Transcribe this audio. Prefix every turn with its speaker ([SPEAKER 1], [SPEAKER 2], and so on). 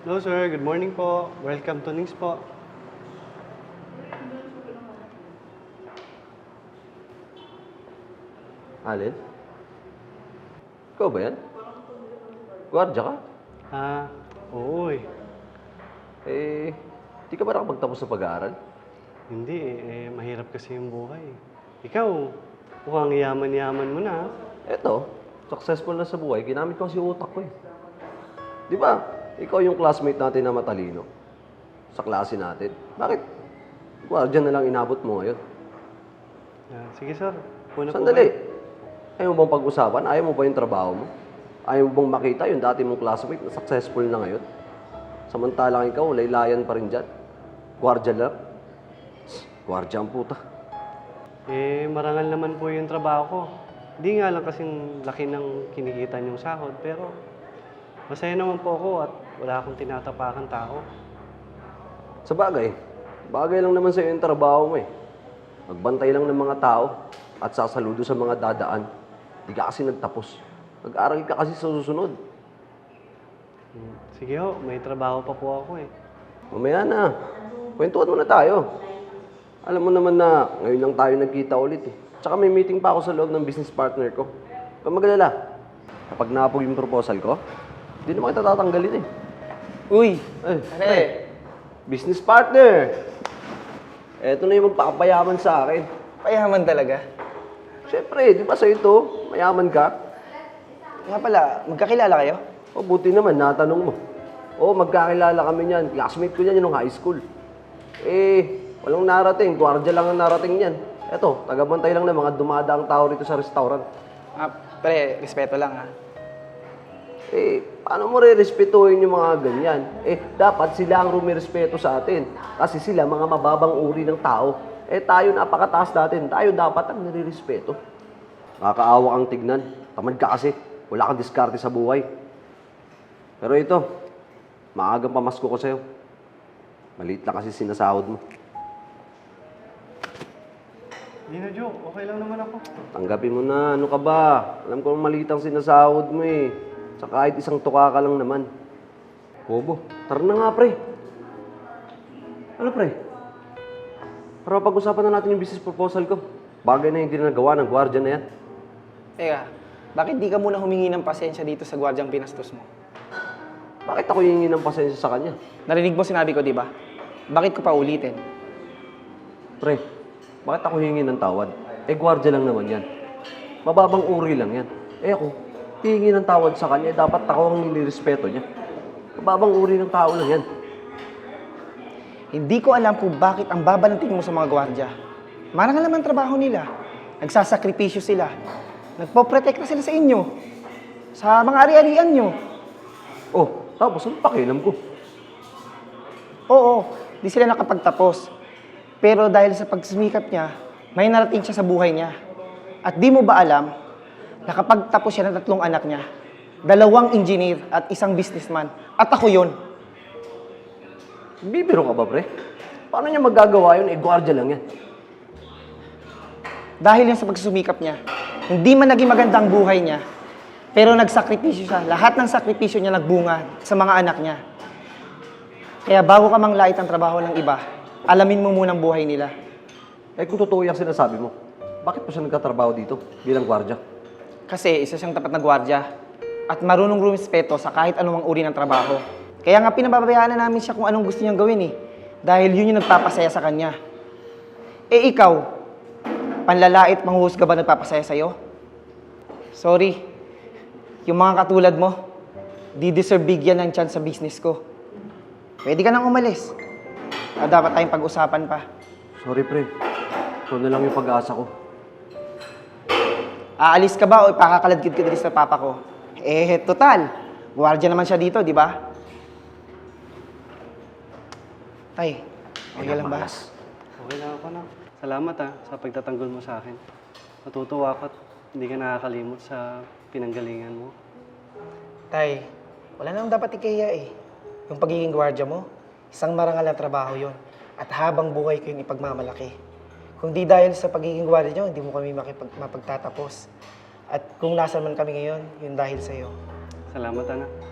[SPEAKER 1] Hello sir, good morning po. Welcome to Nings po.
[SPEAKER 2] Alin? Ikaw ba yan? Gwardiya ka?
[SPEAKER 1] Ah, oo eh.
[SPEAKER 2] Di ka ba nakapagtapos sa pag-aaral?
[SPEAKER 1] Hindi mahirap kasi yung buhay. Ikaw, mukhang yaman-yaman mo na.
[SPEAKER 2] Eto, successful na sa buhay. Ginamit ko kasi utak ko eh. Di ba, ikaw yung classmate natin na matalino sa klase natin. Bakit? Gwardiya na lang inabot mo ngayon.
[SPEAKER 1] Sige sir, una po
[SPEAKER 2] Sandali.
[SPEAKER 1] kayo.
[SPEAKER 2] Ayaw mo bang pag-usapan? Ayaw mo ba yung trabaho mo? Ayaw mo bang makita yung dati mong classmate na successful na ngayon? Samantalang ikaw, laylayan pa rin dyan. Gwardiya lang. Gwardiya ang puta.
[SPEAKER 1] Marangal naman po yung trabaho ko. Di nga lang kasing laki ng kinikita niyong sahod, pero masaya naman po ako at wala akong tinatapakan tao.
[SPEAKER 2] Sa bagay, bagay lang naman sa'yo yung trabaho mo eh. Magbantay lang ng mga tao at sasaludo sa mga dadaan. Di ka kasi nagtapos. Nag-aral ka kasi sa susunod.
[SPEAKER 1] Sige ho, may trabaho pa po ako eh.
[SPEAKER 2] Mamaya na. Kwentuhan muna tayo. Alam mo naman na ngayon lang tayo nagkita ulit eh. Tsaka may meeting pa ako sa loob ng business partner ko. Huwag magalala. Kapag naapog yung proposal ko, hindi naman kita tatanggalin eh.
[SPEAKER 3] Uy!
[SPEAKER 2] Pre, business partner! Eto na yung magpakapayaman sa akin.
[SPEAKER 3] Payaman talaga.
[SPEAKER 2] Siyempre, di ba sa'yo ito? Mayaman ka?
[SPEAKER 3] Nga pala, magkakilala kayo?
[SPEAKER 2] O, buti naman, natanong mo. O, magkakilala kami niyan. Classmate ko niyan yung high school. Walang narating. Gwardiya lang ang narating niyan. Eto, tagabantay lang ng mga dumadaang tao rito sa restaurant.
[SPEAKER 3] Pre, respeto lang ha.
[SPEAKER 2] Paano mo re-respetuhin yung mga ganyan? Dapat sila ang rumirespeto sa atin. Kasi sila mga mababang uri ng tao. Tayo napakataas natin. Tayo dapat ang nire-respeto. Nakakaawa kang tignan. Tamad ka kasi. Wala kang diskarte sa buhay. Pero ito, maagang pamasko ko sa'yo. Maliit lang kasi sinasahod mo.
[SPEAKER 1] Hindi na joke, okay lang naman ako.
[SPEAKER 2] Tanggapin mo na. Ano ka ba? Alam ko maliit ang sinasahod mo eh. Sa kahit isang tuka ka lang naman. Bobo, tara na nga pre. Ano pre? Para pag-usapan na natin yung business proposal ko. Bagay na yung ginagawa ng gwardiya na yan.
[SPEAKER 3] Teka, bakit di ka muna humingi ng pasensya dito sa gwardyang pinastos mo?
[SPEAKER 2] Bakit ako hihingi ng pasensya sa kanya?
[SPEAKER 3] Narinig mo sinabi ko, di ba? Bakit ko pa ulitin?
[SPEAKER 2] Pre, bakit ako hihingi ng tawad? Gwardiya lang naman yan. Mababang uri lang yan. Ako, hihingi ng tawad sa kanya, dapat ako ang nilirespeto niya. Mababang uri ng tao lang yan.
[SPEAKER 3] Hindi ko alam kung bakit ang baba ng tingin mo sa mga gwardya. Marangal naman trabaho nila. Nagsasakripisyo sila. Nagpoprotekta sila sa inyo. Sa mga ari-arian nyo.
[SPEAKER 2] Tapos ano pakialam ko?
[SPEAKER 3] Oo, di sila nakapagtapos. Pero dahil sa pagsumikap niya, may narating siya sa buhay niya. At di mo ba alam, nakapagtapos siya ng 3 anak niya, 2 engineer at 1 businessman. At ako yun.
[SPEAKER 2] Bibiro ka ba, pre? Paano niya magagawa yun? Gwardiya lang yan.
[SPEAKER 3] Dahil yan sa pagsusumikap niya, hindi man naging maganda ang buhay niya, pero nagsakripisyo siya. Lahat ng sakripisyo niya nagbunga sa mga anak niya. Kaya bago ka manglait ang trabaho ng iba, alamin mo muna ang buhay nila.
[SPEAKER 2] Kung totoo yung sinasabi mo, bakit pa siya nagtatrabaho dito bilang gwardiya?
[SPEAKER 3] Kasi isa siyang tapat na gwardya at marunong rumispeto sa kahit anumang uri ng trabaho. Kaya nga pinababayaan na namin siya kung anong gusto niyang gawin eh. Dahil yun yung nagpapasaya sa kanya. Ikaw, panlalait, manghuhusga ba nagpapasaya sa'yo? Sorry. Yung mga katulad mo, di deserve bigyan ng chance sa business ko. Pwede ka nang umalis. Dapat tayong pag-usapan pa.
[SPEAKER 2] Sorry, pre. Ito na lang yung pag-asa ko.
[SPEAKER 3] Aalis ka ba o ipakakaladkid ka dito sa papa ko? Total. Gwardiya naman siya dito, di ba? Tay, okay lang ba?
[SPEAKER 1] Okay lang ako na. Salamat sa pagtatanggol mo sa akin. Natutuwa ako at hindi ka nakakalimot sa pinanggalingan mo.
[SPEAKER 3] Tay, wala nang dapat ikahiya eh. Yung pagiging gwardiya mo, isang marangal na trabaho yon. At habang buhay ko yung ipagmamalaki. Kung di dahil sa pagiging gwardiya nyo, hindi mo kami mapagtatapos. At kung nasan man kami ngayon, yun dahil sa'yo.
[SPEAKER 1] Salamat, anak.